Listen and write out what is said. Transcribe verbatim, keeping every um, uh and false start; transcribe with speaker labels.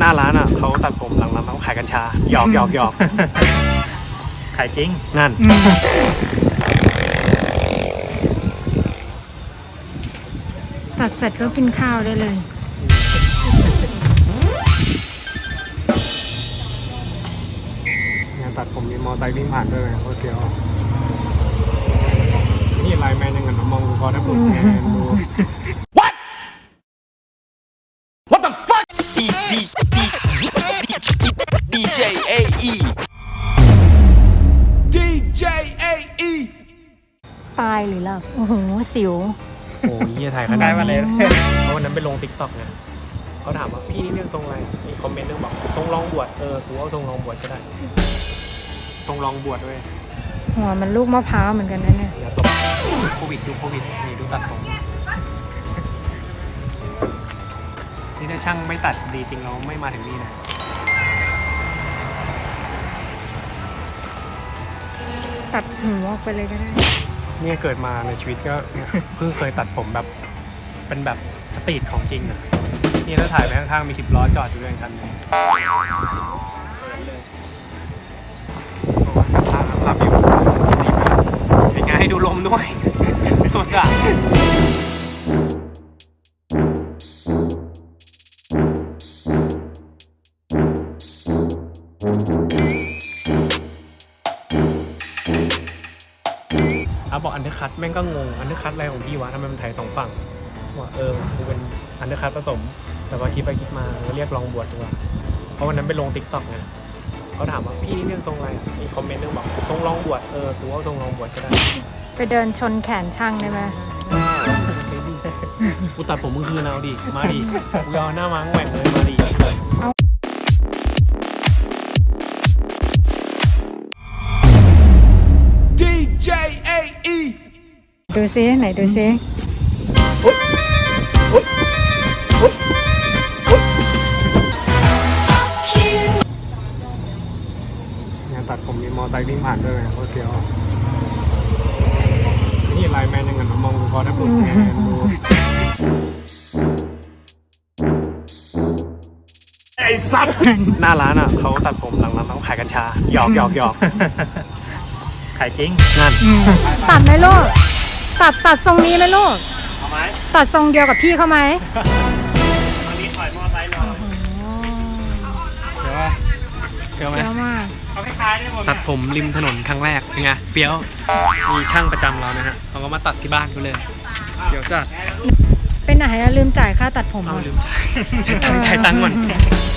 Speaker 1: น้าร้านอ่ะเขาตัดผมหลังร้านเขาขายกัญชาหยอกหยอกหยอก
Speaker 2: ขายจริง
Speaker 1: นั่น
Speaker 3: ตัดเสร็จก็กินข้าวได้เลย
Speaker 1: งานตัดผมมีมอไซค์วิ่งผ่านด้วยไงโคตรเฟี้ยวนี่ไลน์แมนยังไงมองพอได้บุญดู What What the fuck
Speaker 4: D D D D J A E D J A E
Speaker 3: ตายหรือหลับโอ้โหสิว
Speaker 1: โอ้ยเยี่ยถ่ายขนาดนี้เพราะวันนั้นไปลงติ๊กต็อกไงเขาถามว่าพี่นี่เนี่ยทรงอะไรมีคอมเมนต์นึงบอกทรงรองบวชเออกูเอาทรงรองบวชก็ได้ทรงรองบวชด้วย
Speaker 3: หัวมันลูกมะพร้าวเหมือนกันนะเนี่ย
Speaker 1: อย่าตกโควิดดูโควิดนี่ดูตัดผมนี่ถ้าช่างไม่ตัดดีจริงเราไม่มาถึงนี่นะ
Speaker 3: ตัดหัวออกไปเลยก็ได้
Speaker 1: เนี่ยเกิดมาในชีวิตก็เพิ่งเคยตัดผมแบบเป็นแบบสตรีทของจริงอ่ะนี่ถ้าถ่ายไปข้างๆมีสิบล้อจอดอยู่ด้วยกันนึงภาพภาพอยู่ดีมากเป็นไงให้ดูลมด้วยสุดอ่ะเอาบอกอันเดอร์คัทแม่งก็งงอันเดอร์คัทอะไรของพี่วะทำไมมันถ่ายสองฝั่งว่าเออกูเป็นอันเดอร์คัทผสมแต่ว่าคิดไปคิดมาเรียกลองบวชดีกว่าเพราะวันนั้นไปลงติ๊กต็อกไงเขาถามว่าพี่นี่เนี่ยทรงอะไรมีคอมเมนต์นึงบอกทรงลองบวชเออกูเอาทรงลองบวชก็ได้
Speaker 3: ไปเดินชนแขนช่างได้ไหม
Speaker 1: กูตัดผมมึงคืนเอาดิมาดิกูเอาหน้าม้าแหว่งเลยมาดิ
Speaker 4: D J A E
Speaker 3: ดูซิไหนดูซิ
Speaker 1: งานตัดผมมีมอไซค์วิ่งผ่านด้วยไงโคตรเฟี้ยวนี่ไลน์แมนยังไงมองพอได้บุญดูไอ้ซับหน้าร้านอ่ะเขาตัดผมหลังร้านเขาขายกัญชาหยอกหยอกหยอก
Speaker 2: ขายจริง
Speaker 1: นั่น
Speaker 3: ตัดไหมลูกตัดตัดทรงนี้ไหมลูกเอาไหมตัดทรงเดียวกับพี่เขาไหม
Speaker 2: ตอนนี้ถอยมอไซค์รอ
Speaker 1: เดี๋ยวว่าเฟี้ยวไหม
Speaker 3: เฟี้ยวมาก
Speaker 2: เขาคล้ายๆได้หมด
Speaker 1: ตัดผมริมถนนครั้งแรกเป็นไงเฟี้ยวมีช่างประจำเรานะฮะเขาก็มาตัดที่บ้านกูเลยเดี๋ยวจัด
Speaker 3: เป็นไหนลืมจ่ายค่าตัดผม
Speaker 1: เอาลืมจ่ายจ่ายตังค์จ่ายตังค์ก่อน